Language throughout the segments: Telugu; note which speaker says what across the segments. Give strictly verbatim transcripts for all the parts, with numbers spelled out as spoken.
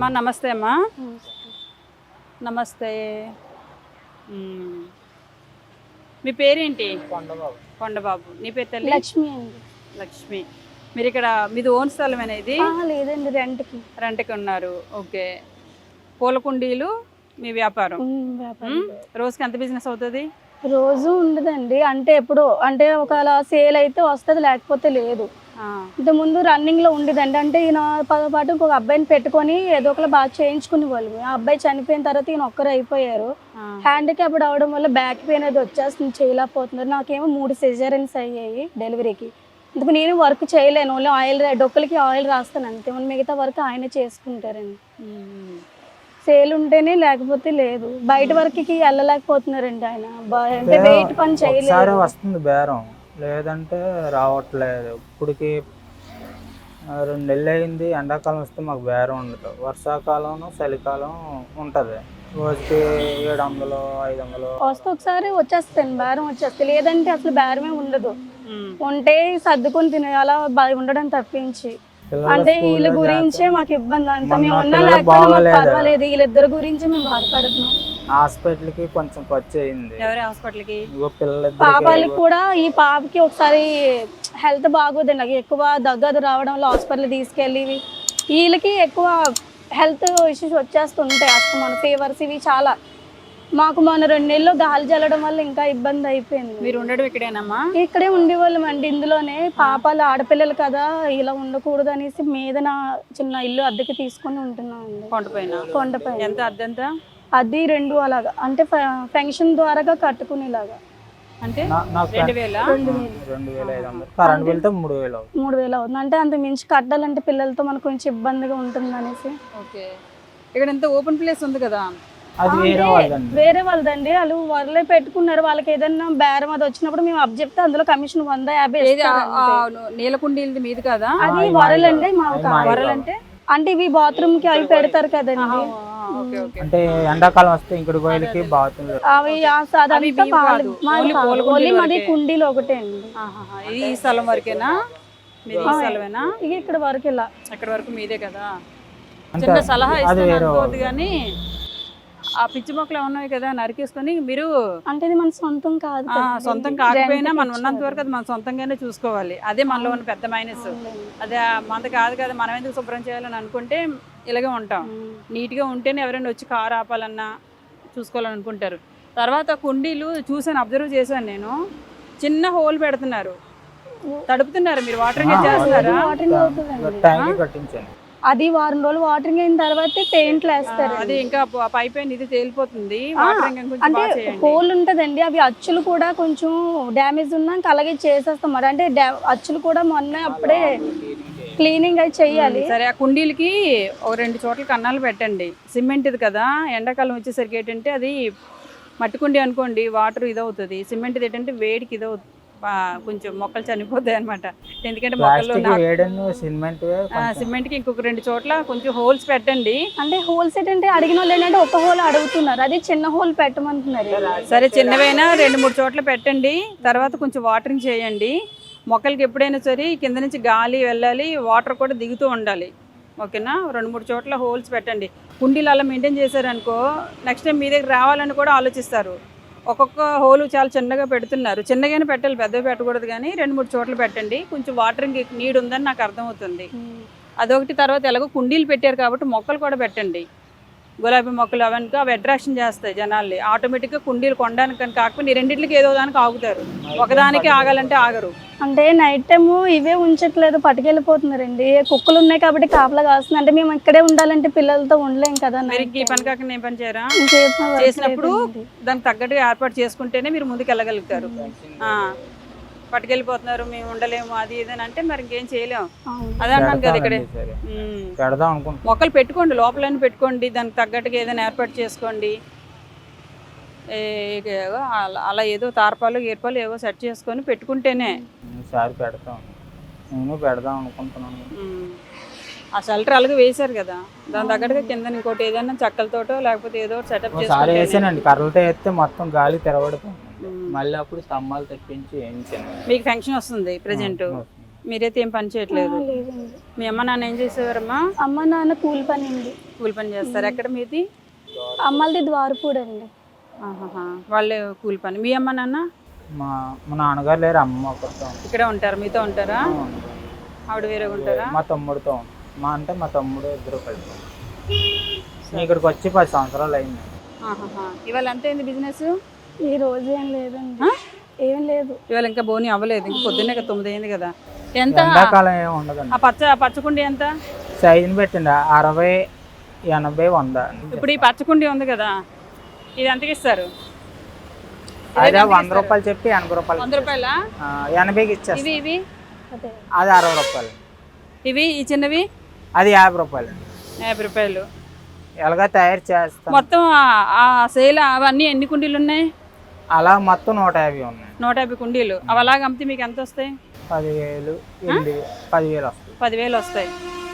Speaker 1: అమ్మా నమస్తే అమ్మా. నమస్తే. మ్మ్. మీ పేరేంటి?
Speaker 2: కొండబాబు.
Speaker 1: కొండబాబు. నీ పేరు తల్లి?
Speaker 3: లక్ష్మి అండి.
Speaker 1: లక్ష్మి. మీరు ఇక్కడ మీది ఓన్ స్థలమేనా ఇది?
Speaker 3: ఆహా, లేదండి, రెంట్కి.
Speaker 1: రెంట్కి ఉన్నారు. ఓకే. పూల కుండీలు మీ వ్యాపారం.
Speaker 3: ఉమ్, వ్యాపారం.
Speaker 1: మ్మ్. రోజుకి ఎంత బిజినెస్ అవుతుంది?
Speaker 3: రోజు ఉండదండి, అంటే ఎప్పుడు అంటే ఒకవేళ సేల్ అయితే వస్తుంది, లేకపోతే లేదు.
Speaker 1: ఆ.
Speaker 3: ఇంత ముందు రన్నింగ్ లో ఉండేదండి. అంటే ఈయన పదో పాటు ఇంకొక అబ్బాయిని పెట్టుకొని ఏదో ఒకలా బాగా చేయించుకునే వాళ్ళు. ఆ అబ్బాయి చనిపోయిన తర్వాత ఈయన ఒక్కరు అయిపోయారు.
Speaker 1: ఆ.
Speaker 3: హ్యాండిక్యాప్డ్ అవడం వల్ల బ్యాక్ పెయిన్ అది వచ్చేస్తుంది, చేయలేకపోతున్నారు. నాకేమో మూడు సిజేరియన్స్ అయ్యాయి డెలివరీకి. అందుకు నేను వర్క్ చేయలేను, ఓన్లీ ఆయిల్ డొక్కలకి ఆయిల్ రాస్తాను అంతే. మిగతా వర్క్ ఆయన చేసుకుంటారండి.
Speaker 1: మ్మ్.
Speaker 3: సేల్ ఉంటేనే, లేకపోతే లేదు. బయట వరకుకి వెళ్ళలేకపోతున్నారండి ఆయన. బా- అంటే వెయిట్ పని
Speaker 2: ఒకసారి
Speaker 3: చేయలేదు.
Speaker 2: వస్తుంది బేరం, లేదంటే రావట్లేదు. ఇప్పటికి ఆ, రెండు నెలలు అయింది. ఎండాకాలం వస్తే మాకు బేరం ఉండదు. వర్షాకాలం చలికాలం ఉంటుంది. రోజుకి ఏడు వందలు ఐదు వందలు
Speaker 3: వస్తే ఒకసారి వచ్చేస్తాను, బేరం వచ్చేస్తే. లేదంటే అసలు బేరమే ఉండదు.
Speaker 1: మ్మ్.
Speaker 3: ఉంటే సర్దుకొని తినే అలా బ- ఉండడం తప్పించి.
Speaker 2: పిల్లలు
Speaker 3: అంటే
Speaker 2: స్కూల్లో
Speaker 3: వీళ్ళ గురించే మాకు ఇబ్బంది. అంత
Speaker 2: మొన్న
Speaker 3: మేము ఉన్నా
Speaker 2: పిల్లలు
Speaker 3: లేకపోతే మాకు
Speaker 2: బాగోలేదు.
Speaker 3: పర్వాలేదు, వీళ్ళిద్దరి గురించి మేము బాధపడుతున్నాం.
Speaker 2: హాస్పిటల్కి కొంచెం ఖర్చు అయింది.
Speaker 1: ఎవరి హాస్పిటల్కి?
Speaker 2: ఇగో పిల్లలిద్దరికి
Speaker 3: పాపాలకు కూడా, ఈ పాపకి ఒకసారి హెల్త్ బాగోదండి, నాకు ఎక్కువ దగ్గదు రావడం వల్ల హాస్పిటల్ తీసుకెళ్ళి వీళ్ళకి ఎక్కువ హెల్త్ ఇష్యూస్ వచ్చేస్తుంటాయి. అసలు మన ఫీవర్స్ ఇవి చాలా. మాకు మొన్న రెండు నెలలు గాలి జల్లడం వల్ల ఇంకా ఇబ్బంది అయిపోయింది.
Speaker 1: మీరు ఉండడం ఇక్కడేనమ్మా?
Speaker 3: ఇక్కడే ఉండేవాళ్ళం అండి. ఇందులోనే పాపాలు ఆడపిల్లలు కదా, ఇలా ఉండకూడదు అనేసి మీద నా చిన్న ఇల్లు అద్దెకి తీసుకొని ఉంటున్నాం అండి.
Speaker 1: కొండపైన.
Speaker 3: కొండపైన.
Speaker 1: ఎంత అద్దెంత?
Speaker 3: అది రెండు అలాగా, అంటే పెన్షన్ ద్వారాగా కట్టుకునేలాగా.
Speaker 1: అంటే
Speaker 2: నా- నాకు
Speaker 1: రెండు వేల
Speaker 3: రెండు వేలు
Speaker 2: రెండు వేల ఐదు వందలు కరెంట్ బిల్తో మూడు వేలు అవుతుంది.
Speaker 3: మూడు వేలు అవుతుంది. అంటే అంత మించి కట్టాలంటే పిల్లలతో మనకు కొంచెం ఇబ్బందిగా ఉంటుంది అనేసి.
Speaker 1: ఓకే. ఇక్కడ ఎంత ఓపెన్ ప్లేస్ ఉంది కదా?
Speaker 2: అది వేరే వాళ్ళదండి.
Speaker 3: వేరే వాళ్ళదండి, వాళ్ళు వాళ్ళే పెట్టుకున్నారు. వాళ్ళకి ఏదైనా బేరం అది వచ్చినప్పుడు మేము అప్ చెప్తే అందులో కమిషన్ వంద యాభై
Speaker 1: ఏది ఆ-
Speaker 3: ఇస్తారు
Speaker 1: ఆ
Speaker 3: అంతే.
Speaker 1: నీలకుండీలది మీది కదా?
Speaker 3: అది
Speaker 2: ఆ,
Speaker 3: వరలండి మాకు
Speaker 2: అది మా
Speaker 3: కావాలి.
Speaker 1: వరలంటే
Speaker 3: అంటే ఇవి బాత్రూమ్ కి అవి పెడతారు కదండి.
Speaker 1: Okay okay.
Speaker 2: అంటే ఎండాకాలం వస్తే ఇంకుడు గోయలకి బాగుతుంది.
Speaker 3: అవి ఆ సాదా
Speaker 1: అవి
Speaker 3: అంతా
Speaker 1: మీవి
Speaker 3: పాలు-
Speaker 1: కాదు.
Speaker 3: మాది
Speaker 1: ఓన్లీ
Speaker 3: కాదు.
Speaker 1: పూల
Speaker 3: ఓన్లీ
Speaker 1: కుండీలు
Speaker 3: మాది
Speaker 1: వరకే.
Speaker 3: కుండీలు ఒకటే అండి.
Speaker 1: ఆహాహా. ఇది ఈ స్థలం వరకేనా? మీది ఈ స్థలమేనా?
Speaker 3: ఇక ఇక్కడ వరకు ఇలా.
Speaker 1: అక్కడ వరకు మీదే కదా?
Speaker 2: అంటే
Speaker 1: చిన్న సలహా
Speaker 2: అది
Speaker 1: ఇస్తాను
Speaker 2: వేరే
Speaker 1: అనుకోవద్దు కానీ ఆ పిచ్చి మొక్కలు ఉన్నాయి కదా, నరికేసుకొని మీరు
Speaker 3: అంటే ఇది మన సొంతం కాదు
Speaker 1: ఆ,
Speaker 3: కదండి.
Speaker 1: సొంతం కాకపోయినా
Speaker 3: రెంట్కి
Speaker 1: మనం ఉన్నంత వరకు అది మన సొంతంగానే చూసుకోవాలి. అదే మనలో ఉన్న పెద్ద మైనస్.
Speaker 3: ఇచ్చారు.
Speaker 1: అదే మనది కాదు కదా, మనం ఎందుకు శుభ్రం చేయాలని అనుకుంటే ఇలాగే ఉంటాం.
Speaker 3: ఉమ్.
Speaker 1: నీట్గా ఉంటేనే ఎవరైనా వచ్చి కారు ఆపాలన్నా చూసుకోవాలని అనుకుంటారు. తర్వాత కుండీలు చూసాను, అబ్జర్వ్ చేశాను నేను. చిన్న హోల్ పెడుతున్నారు, తడుపుతున్నారు. మీరు వాటరింగ్ చేస్తున్నారా?
Speaker 3: వాటరింగ్ అవుతుందండి.
Speaker 2: ట్యాంక్ కట్టించాను.
Speaker 3: అది వారం రోజులు వాటరింగ్ అయిన తర్వాత పెయింట్లు వేస్తారు.
Speaker 1: అది ఇంకా ప- పై పైన ఇది తేలిపోతుంది. వాటరింగ్ కొంచెం
Speaker 3: అంటే
Speaker 1: బాగా చేయండి.
Speaker 3: హోల్ ఉంటదండి, అవి అచ్చులు కూడా కొంచెం డ్యామేజ్ ఉన్నా ఇంకా అలాగే చేసేస్తాం మరి. అంటే డా- అచ్చులు కూడా మొన్న అప్పుడే క్లీనింగ్ అయి చెయ్యాలి.
Speaker 1: సరే, ఆ కుండీలకి ఒక రెండు చోట్ల కన్నాలు పెట్టండి. సిమెంట్ ఇది కదా, ఎండాకాలం వచ్చేసరికి ఏంటంటే అది మట్టి కుండీ అనుకోండి, వాటర్ ఇదవుతుంది. సిమెంట్ ఏంటంటే వేడికి ఇదవుతుంది, కొంచెం మొక్కలు చనిపోతాయి అనమాట. ఎందుకంటే మొక్కలు
Speaker 2: ప్లాస్టిక్ వేడను సిమెంట్
Speaker 1: సిమెంట్కి ఇంకొక రెండు చోట్ల కొంచెం హోల్స్ పెట్టండి.
Speaker 3: అంటే హోల్ సెట్ అంటే అడిగిన వాళ్ళు ఏంటంటే ఒక హోల్ అడుగుతున్నారు, అది చిన్న హోల్ పెట్టమంటున్నారు.
Speaker 1: సరే, చిన్నవైనా రెండు మూడు చోట్ల పెట్టండి. తర్వాత కొంచెం వాటరింగ్ చేయండి. మొక్కలకి ఎప్పుడైనా సరే కింద నుంచి గాలి వెళ్ళాలి, వాటర్ కూడా దిగుతూ ఉండాలి. ఓకేనా? రెండు మూడు చోట్ల హోల్స్ పెట్టండి. కుండీలు అలా మెయింటైన్ చేశారనుకో, నెక్స్ట్ టైం మీ దగ్గర రావాలని కూడా ఆలోచిస్తారు. ఒక్కొక్క హోలు చాలా చిన్నగా పెడుతున్నారు. చిన్నగానే పెట్టాలి, పెద్దగా పెట్టకూడదు. కానీ రెండు మూడు చోట్ల పెట్టండి. కొంచెం వాటరింగ్ నీడ్ ఉందని నాకు అర్థమవుతుంది. అదొకటి. తర్వాత ఎలాగో కుండీలు పెట్టారు కాబట్టి మొక్కలు కూడా పెట్టండి. గులాబీ మొక్కలు అవన్నీ అవి అట్రాక్షన్ చేస్తాయి జనాల్ని. ఆటోమేటిక్గా కుండీలు కొనడానికి కానీ కాకపోతే ఈ రెండింటికి ఏదో దానికి ఆగుతారు, ఒకదానికి ఆగాలంటే ఆగరు.
Speaker 3: అంటే నైట్ టైము ఇవే ఉంచట్లేదు, పట్టుకెళ్ళిపోతున్నారండి. కుక్కలు ఉన్నాయి కాబట్టి కాపలా కాస్తుంది. అంటే మేము ఇక్కడే ఉండాలంటే పిల్లలతో ఉండలేం కదా.
Speaker 1: మీరు ఇంక ఈ పని కాకుండా ఏం పని చేయరా?
Speaker 3: ఇంకేం వర్క్
Speaker 1: చేసినప్పుడు
Speaker 3: లేదండి.
Speaker 1: దానికి తగ్గట్టుగా ఏర్పాటు చేసుకుంటేనే మీరు ముందుకు వెళ్ళగలుగుతారు. ఆ, పట్టుకెళ్ళిపోతున్నారు మేము ఉండలేము అది ఇదని అంటే మరి ఇంకేం చేయలేము.
Speaker 3: అవును.
Speaker 1: అదే అన్నాను కదా ఇక్కడే.
Speaker 2: సరే
Speaker 1: ఉమ్.
Speaker 2: పెడదాం అనుకుంటున్నాం.
Speaker 1: మొక్కలు పెట్టుకోండి, లోపలని పెట్టుకోండి, దానికి తగ్గట్టుగా ఏదైనా ఏర్పాటు చేసుకోండి. ఏ- ఏవో అలా అలా ఏదో తార్పాలు గీర్పాలు ఏవో సెట్ చేసుకొని పెట్టుకుంటేనే.
Speaker 2: ఈసారి పెడతాం, నేను పెడదాం అనుకుంటున్నాను.
Speaker 1: ఉమ్. ఆ షెల్టర్ అలాగే వేశారు కదా, దాని తగ్గట్టుగా కింద ఇంకోటి ఏదైనా చెక్కలతోటో లేకపోతే ఏదో సెటప్
Speaker 2: ఒకసారి
Speaker 1: చేసుకుంటే.
Speaker 2: వేసానండి, కర్రలతో వేస్తే మొత్తం గాలి తెరబడిపోయింది. మళ్ళీ అప్పుడు స్తంభాలు తెప్పించి వేయించాను.
Speaker 1: మీకు ఫంక్షన్ వస్తుంది ప్రజెంట్, మీరైతే ఏం పని చేయట్లేదు.
Speaker 3: లేదండి.
Speaker 1: మీ అమ్మ నాన్న ఏం చేసేవారమ్మా?
Speaker 3: అమ్మ నాన్న కూలి పని అండి.
Speaker 1: కూలి పని చేస్తారు. ఎక్కడ మీది?
Speaker 3: అమ్మలది ద్వారపూడి అండి.
Speaker 1: ఆహాహా. వాళ్ళే కూలి పని. మీ అమ్మ నాన్న?
Speaker 2: మా మా నాన్నగారు లేరు, అమ్మ ఒకరితో ఉంది.
Speaker 1: ఇక్కడే ఉంటారు, మీతో ఉంటారా?
Speaker 2: ఆ, ఉంది.
Speaker 1: ఆవిడ వేరే ఉంటారా?
Speaker 2: మా తమ్ముడితో ఉంది. మా అంటే మా తమ్ముడు ఇద్దరు కలిసి ఉన్నారు. నేను ఇక్కడికి వచ్చి పది సంవత్సరాలు అయింది.
Speaker 1: ఆహాహా. ఇవాళ ఎంత అయింది బిజినెస్?
Speaker 3: ఈ రోజు ఏం లేదండి. ఏం లేదు.
Speaker 1: ఇవాళ ఇంకా బోని అవ్వలేదు. ఇంక పొద్దున్నే కదా తొమ్మిది అయింది కదా. ఎంత?
Speaker 2: ఎండాకాలం ఏమి ఉండదండి.
Speaker 1: ఆ పచ్చ పచ్చకుండి ఎంత?
Speaker 2: సైజుని పెట్టండి, అరవై ఎనభై వంద.
Speaker 1: ఇప్పుడు ఈ పచ్చకుండి ఉంది కదా, ఇది ఎంతకి ఇస్తారు?
Speaker 2: అదే వంద రూపాయలు చెప్పి ఎనభై రూపాయలు.
Speaker 1: వంద రూపాయలా?
Speaker 2: ఆ, ఎనభైకి ఇచ్చేస్తాను.
Speaker 1: ఇవి ఇవి
Speaker 3: అదే
Speaker 2: అది అరవై రూపాయలు.
Speaker 1: ఇవి ఈ చిన్నవి
Speaker 2: అది యాభై రూపాయలు.
Speaker 1: యాభై రూపాయలు.
Speaker 2: ఎలాగా తయారు చేస్తాం.
Speaker 1: మొత్తం ఆ- ఆ సేల్ అవన్నీ ఎన్ని కుండీలు ఉన్నాయి?
Speaker 2: అలా మొత్తం నూట యాభై ఉన్నాయి.
Speaker 1: నూట యాభై కుండీలు. అవి అలాగ అమ్మితే మీకు ఎంత వస్తాయి?
Speaker 2: పదివేలు ఎనిమిది పదివేలు వస్తుంది.
Speaker 1: పదివేలు వస్తాయి.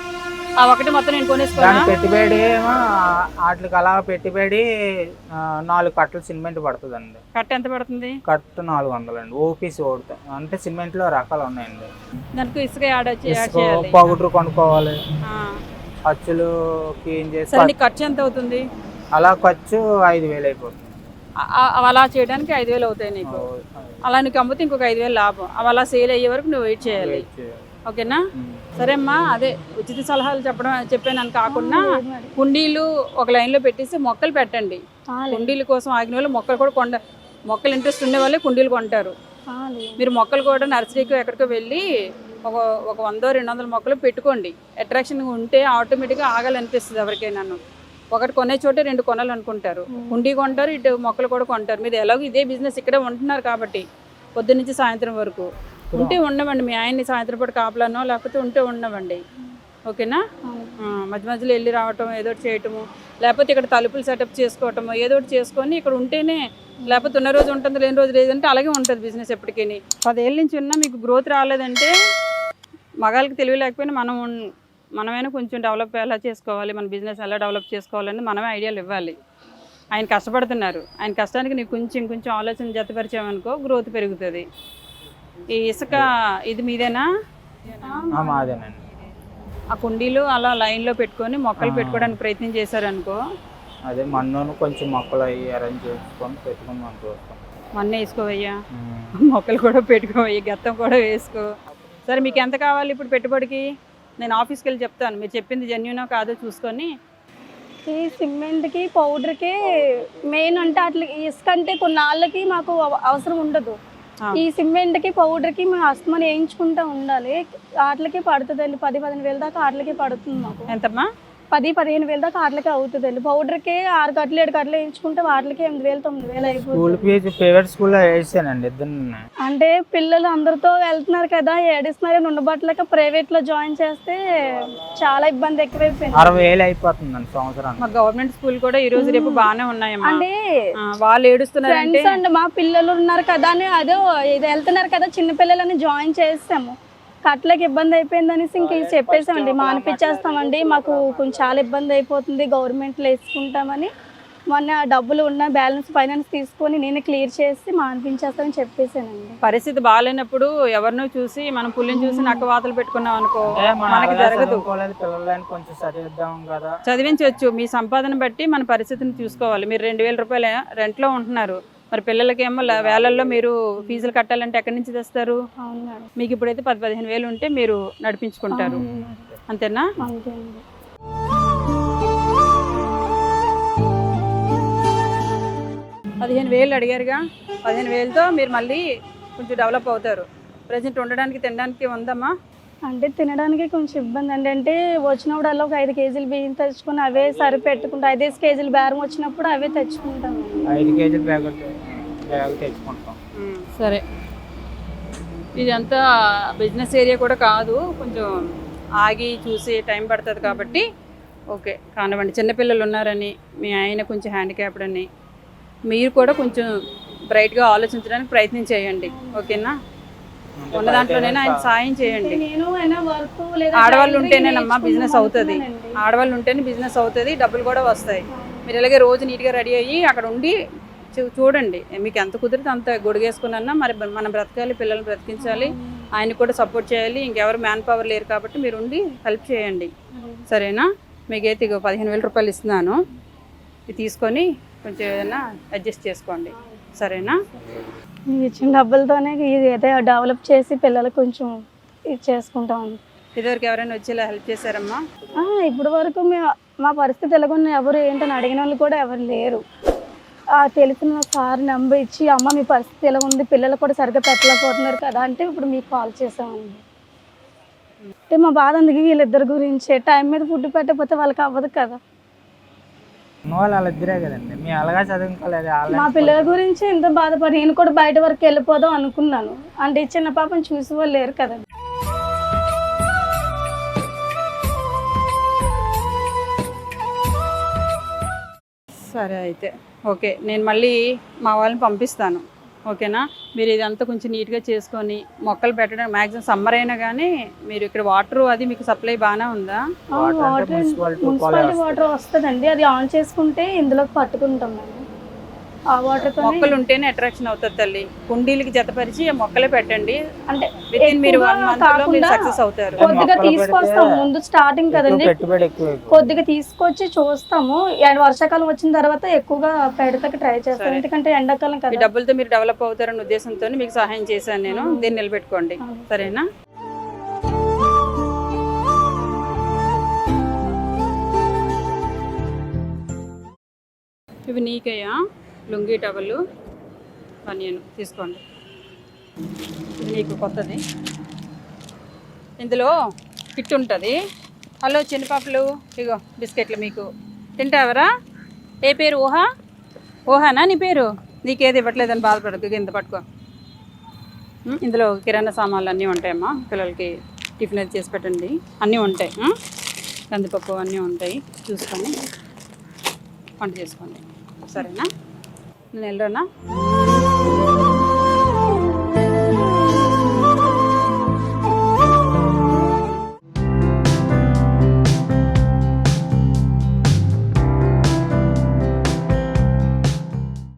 Speaker 1: ఆ ఒకటి మొత్తం నేను కొనేసుకోనా?
Speaker 2: దాని పెట్టుబడి ఏమో వాటికి అలా పెట్టుబడి ఆ, నాలుగు కట్టలు సిమెంట్ పడుతుందండి.
Speaker 1: కట్ట ఎంత పడుతుంది?
Speaker 2: కట్టు నాలుగు వందలండి. ఓపీసీ ఓడుతాయి అంటే సిమెంట్లో రకాలు ఉన్నాయండి.
Speaker 1: దానికి ఇసుక యాడ్ వచ్చి యాడ్
Speaker 2: ఇసుక
Speaker 1: చేయాలి.
Speaker 2: పౌడర్ కొనుక్కోవాలి,
Speaker 1: ఆ.
Speaker 2: ఖర్చులు క్లీన్ చేసి
Speaker 1: సరే, నీకు ఖర్చు ఎంత అవుతుంది?
Speaker 2: అలా ఖర్చు ఐదు వేలు అయిపోతుంది.
Speaker 1: ఆ- ఆ- అవి అలా చేయడానికి ఐదు వేలు అవుతాయి నీకు. అలా నీకు అమ్మితే ఇంకొక ఐదు వేలు లాభం. అవి అలా సేల్ అయ్యే వరకు నువ్వు వెయిట్ చేయాలి. ఓకేనా? సరే అమ్మా, అదే ఉచిత సలహాలు చెప్పడం చెప్పాను కాకుండా కుండీలు ఒక లైన్లో పెట్టేసి మొక్కలు పెట్టండి. కుండీల కోసం ఆగిన వాళ్ళు మొక్కలు కూడా కొండ మొక్కలు ఇంట్రెస్ట్ ఉండే వాళ్ళే కుండీలు కొంటారు. మీరు మొక్కలు కూడా నర్సరీకి ఎక్కడికో వెళ్ళి ఒక ఒక వందో రెండు వందల మొక్కలు పెట్టుకోండి. అట్రాక్షన్ ఉంటే ఆటోమేటిక్గా ఆగాలనిపిస్తుంది ఎవరికైనా. ఒకటి కొనే చోటే రెండు కొనాలి అనుకుంటారు. కుండీ కొంటారు, ఇటు మొక్కలు కూడా కొంటారు. మీరు ఎలాగో ఇదే బిజినెస్ ఇక్కడే ఉంటున్నారు కాబట్టి పొద్దు నుంచి సాయంత్రం వరకు ఉంటే ఉండవండి. మీ ఆయన్ని సాయంత్రం పూట కాపలానో లేకపోతే ఉంటే ఉండవండి. ఓకేనా? ఆ, మధ్య మధ్యలో వెళ్ళి రావటం, ఏదో ఒకటి చేయటము, లేకపోతే ఇక్కడ తలుపులు సెటప్ చేసుకోవటము, ఏదో ఒకటి చేసుకొని ఇక్కడ ఉంటేనే, లేకపోతే ఉన్న రోజు ఉంటుంది లేని రోజు లేదంటే అలాగే ఉంటుంది బిజినెస్ ఎప్పటికీ. పదేళ్ళ నుంచి ఉన్నా మీకు గ్రోత్ రాలేదంటే మగాళ్ళకి తెలివి లేకపోయినా మనం ఉన్- మనమైనా కొంచెం డెవలప్ ఎలా చేసుకోవాలి, మన బిజినెస్ ఎలా డెవలప్ చేసుకోవాలని మనమే ఐడియాలు ఇవ్వాలి. ఆయన కష్టపడుతున్నారు. ఆయన కష్టానికి నీకు కొంచెం కొంచెం ఆలోచన జతపరిచామనుకో గ్రోత్ పెరుగుతుంది. ఈ ఇసుక ఇది మీదేనా?
Speaker 2: ఆ, మాదేనండి.
Speaker 1: ఆ కుండీలు అలా లైన్లో పెట్టుకొని మొక్కలు పెట్టుకోవడానికి ప్రయత్నం చేశారనుకో,
Speaker 2: అదే మన్నును కొంచెం మొక్కలు అవి అరేంజ్ చేసుకొని పెట్టుకుని మనం చూస్తాం.
Speaker 1: మన్ను వేసుకోవయ్యా, మొక్కలు కూడా పెట్టుకోవయ్యా, గత్తం కూడా వేసుకో. సరే, మీకు ఎంత కావాలి ఇప్పుడు పెట్టుబడికి? నేను ఆఫీస్కి వెళ్ళి చెప్తాను. మీరు చెప్పింది జెన్యూనో కాదో చూసుకొని.
Speaker 3: ఈ సిమెంట్కి పౌడర్కి మెయిన్ అంటే అట్లా ఇసుక అంటే కొన్నాళ్ళకి మాకు అవ- అవసరం ఉండదు. ఈ సిమెంట్కి పౌడర్కి మేము అస్తమానం వేయించుకుంటూ ఉండాలి. వాటికి పడుతుందండి. పది పదిహేను వేల దాకా వాటికి పడుతుంది మాకు.
Speaker 1: ఎంతమ్మా?
Speaker 3: పది పదిహేను వేల దాకా వాటికి అవుతుందండి. పౌడర్కి ఆరు కట్టలు ఏడు కట్టలు వేయించుకుంటే వాటికి ఎనిమిది వేలు తొమ్మిది వేలు అయిపోతుంది.
Speaker 2: స్కూల్ ఫీజు ప్రైవేట్ స్కూల్లో వేసానండి ఇద్దరు.
Speaker 3: అంటే పిల్లలు అందరితో వెళ్తున్నారు కదా, ఏడిస్తున్నారు, ఉండబట్టలేక ప్రైవేట్లో జాయిన్ చేస్తే చాలా ఇబ్బంది ఎక్కువైపోయింది.
Speaker 2: అరవై వేలు అయిపోతుందండి సంవత్సరానికి.
Speaker 1: మా గవర్నమెంట్ స్కూల్ కూడా ఈ రోజు రేపు బాగానే ఉన్నాయమ్మా.
Speaker 3: అంటే
Speaker 1: ఆ, వాళ్ళు ఏడుస్తున్నారంటే
Speaker 3: ఫ్రెండ్స్ అండి, మా పిల్లలు ఉన్నారు కదా అని అదే ఇది వెళ్తున్నారు కదా చిన్న పిల్లలని జాయిన్ చేస్తాము. కట్లకి ఇబ్బంది అయిపోయింది అనేసి ఇంక ఇది చెప్పేసామండి, మానిపించేస్తామండి, మాకు కొంచెం చాలా ఇబ్బంది అయిపోతుంది, గవర్నమెంట్లో వేసుకుంటామని మొన్న డబ్బులు ఉన్న బ్యాలెన్స్ ఫైనాన్స్ తీసుకొని నేను క్లియర్ చేసి మానిపించేస్తామని చెప్పేసానండి.
Speaker 1: పరిస్థితి బాగాలేనప్పుడు ఎవరినో చూసి మనం పుల్లిని చూసి నక్క వాతలు పెట్టుకున్నాం అనుకో, మనకి జరగదు.
Speaker 2: పిల్లలని కొంచెం చదివిద్దాం కదా.
Speaker 1: చదివించవచ్చు. మీ సంపాదన బట్టి మన పరిస్థితిని చూసుకోవాలి. మీరు రెండు వేల రూపాయల రెంట్లో ఉంటున్నారు, మరి పిల్లలకేమో ల- వేలల్లో మీరు ఫీజులు కట్టాలంటే ఎక్కడి నుంచి తెస్తారు?
Speaker 3: అవును మేడం.
Speaker 1: మీకు ఇప్పుడైతే పది పదిహేను వేలు ఉంటే మీరు నడిపించుకుంటారు. అంతేనా?
Speaker 3: అంతే అండి.
Speaker 1: పదిహేను వేలు అడిగారుగా, పదిహేను వేలతో మీరు మళ్ళీ కొంచెం డెవలప్ అవుతారు. ప్రజెంట్ ఉండడానికి తినడానికి ఉందమ్మా?
Speaker 3: అంటే తినడానికి కొంచెం ఇబ్బంది అండి. అంటే వచ్చినప్పుడల్లా ఒక ఐదు కేజీలు బియ్యం తెచ్చుకొని అవే సరిపెట్టుకుంటాం. ఐదేసి కేజీలు బేరం వచ్చినప్పుడు అవే తెచ్చుకుంటాం.
Speaker 2: ఐదు కేజీలు బ్యాగ్ బ్యాగ్ తెచ్చుకుంటాం.
Speaker 1: సరే, ఇదంతా బిజినెస్ ఏరియా కూడా కాదు, కొంచెం ఆగి చూసి టైం పడుతుంది కాబట్టి ఓకే కానివ్వండి. చిన్నపిల్లలు ఉన్నారని, మీ ఆయన కొంచెం హ్యాండిక్యాప్డ్ అని, మీరు కూడా కొంచెం బ్రైట్గా ఆలోచించడానికి ప్రయత్నం చేయండి. ఓకేనా? ఉన్న దాంట్లోనైనా ఆయన సాయం చేయండి.
Speaker 3: నేను అయినా వర్క్ లేదా
Speaker 1: ఆడవాళ్ళు ఉంటేనేనమ్మా బిజినెస్ అవుతుంది. ఆడవాళ్ళు ఉంటేనే బిజినెస్ అవుతుంది, డబ్బులు కూడా వస్తాయి. మీరు ఇలాగే రోజు నీట్గా రెడీ అయ్యి అక్కడ ఉండి చూ- చూడండి. మీకు ఎంత కుదిరితే అంత గొడుగేసుకున్నా మరి మనం బ్రతకాలి, పిల్లల్ని బ్రతికించాలి, ఆయన కూడా సపోర్ట్ చేయాలి, ఇంకెవరు మ్యాన్ పవర్ లేరు కాబట్టి మీరు ఉండి హెల్ప్ చేయండి, సరేనా? మీకైతే ఇక పదిహేను వేల రూపాయలు ఇస్తున్నాను, ఇది తీసుకొని కొంచెం ఏదైనా అడ్జస్ట్ చేసుకోండి, సరేనా?
Speaker 3: మీరు ఇచ్చిన డబ్బులతోనే ఇది అయితే డెవలప్ చేసి పిల్లలకు కొంచెం ఇది చేసుకుంటాం.
Speaker 1: ఇదివరకు ఎవరైనా వచ్చేలా హెల్ప్ చేశారమ్మా?
Speaker 3: ఇప్పటి వరకు మేము మా పరిస్థితి ఎలాగున్న ఎవరు ఏంటని అడిగిన వాళ్ళు కూడా ఎవరు లేరు. ఆ తెలిసిన సార్ నెంబర్ ఇచ్చి అమ్మ మీ పరిస్థితి ఎలా ఉంది, పిల్లలు కూడా సరిగ్గా పెట్టలేకపోతున్నారు కదా అంటే ఇప్పుడు మీకు కాల్ చేసామండి. అంటే మా బాధ అందుకే వీళ్ళిద్దరి గురించి టైం మీద ఫుడ్ పెట్టకపోతే వాళ్ళకి అవ్వదు కదా.
Speaker 2: వాళ్ళు వాళ్ళిద్దరే కదండి, మీ అలాగా చదువుకోలేదు.
Speaker 3: మా పిల్లల గురించి ఎంత బాధపడి నేను కూడా బయట వరకు వెళ్ళిపోదాం అనుకున్నాను, అంటే చిన్న పాపని చూసి వాళ్ళు లేరు కదండి.
Speaker 1: సరే అయితే ఓకే, నేను మళ్ళీ మా వాళ్ళని పంపిస్తాను, ఓకేనా? మీరు ఇదంతా కొంచెం నీట్గా చేసుకొని మొక్కలు పెట్టడం, మ్యాక్సిమం సమ్మర్ అయినా కానీ మీరు ఇక్కడ వాటర్ అది మీకు సప్లై బాగానే ఉందా?
Speaker 3: వాటర్ మున్సిపాలిటీ వాటర్ వస్తుందండి, అది ఆన్ చేసుకుంటే ఇందులోకి పట్టుకుంటాం మేము. ఆ వాటర్
Speaker 1: మొక్కలు ఉంటేనే అట్రాక్షన్ అవుతుంది తల్లి. కుండీలకి జతపరిచి ఆ మొక్కలే పెట్టండి,
Speaker 3: అంటే
Speaker 1: మీరు వన్ మంత్ లో మీరు సక్సెస్ అవుతారు.
Speaker 3: కొద్దిగా తీసుకొస్తాము, ముందు స్టార్టింగ్ కదండి, కొద్దిగా తీసుకొచ్చి చూస్తాము. వర్షాకాలం వచ్చిన తర్వాత ఎక్కువగా పెడతకి ట్రై చేస్తాం, ఎందుకంటే ఎండాకాలం కదా.
Speaker 1: డబ్బులతో మీరు డెవలప్ అవుతారన్న ఉద్దేశంతో మీకు సహాయం చేశాను నేను, దీన్ని నిలబెట్టుకోండి, సరేనా? ఇవి నీకయ్యా లుంగీ టవలు బనియను తీసుకోండి, ఇది నీకు కొత్తది. ఇందులో కిట్ ఉంటుంది. హలో చిన్నపాపలు, ఇగో బిస్కెట్లు మీకు తింటావరా? ఏ పేరు? ఊహా? ఊహానా నీ పేరు? నీకేది ఇవ్వట్లేదని బాధపడదు, కింద పట్టుకో. ఇందులో కిరాణా సామాన్లు అన్నీ ఉంటాయమ్మా, పిల్లలకి టిఫిన్ అది చేసి పెట్టండి, అన్నీ ఉంటాయి. కందిపప్పు అన్నీ ఉంటాయి, చూసుకొని వంట చేసుకోండి, సరేనా? నేను వెళ్ళరానా?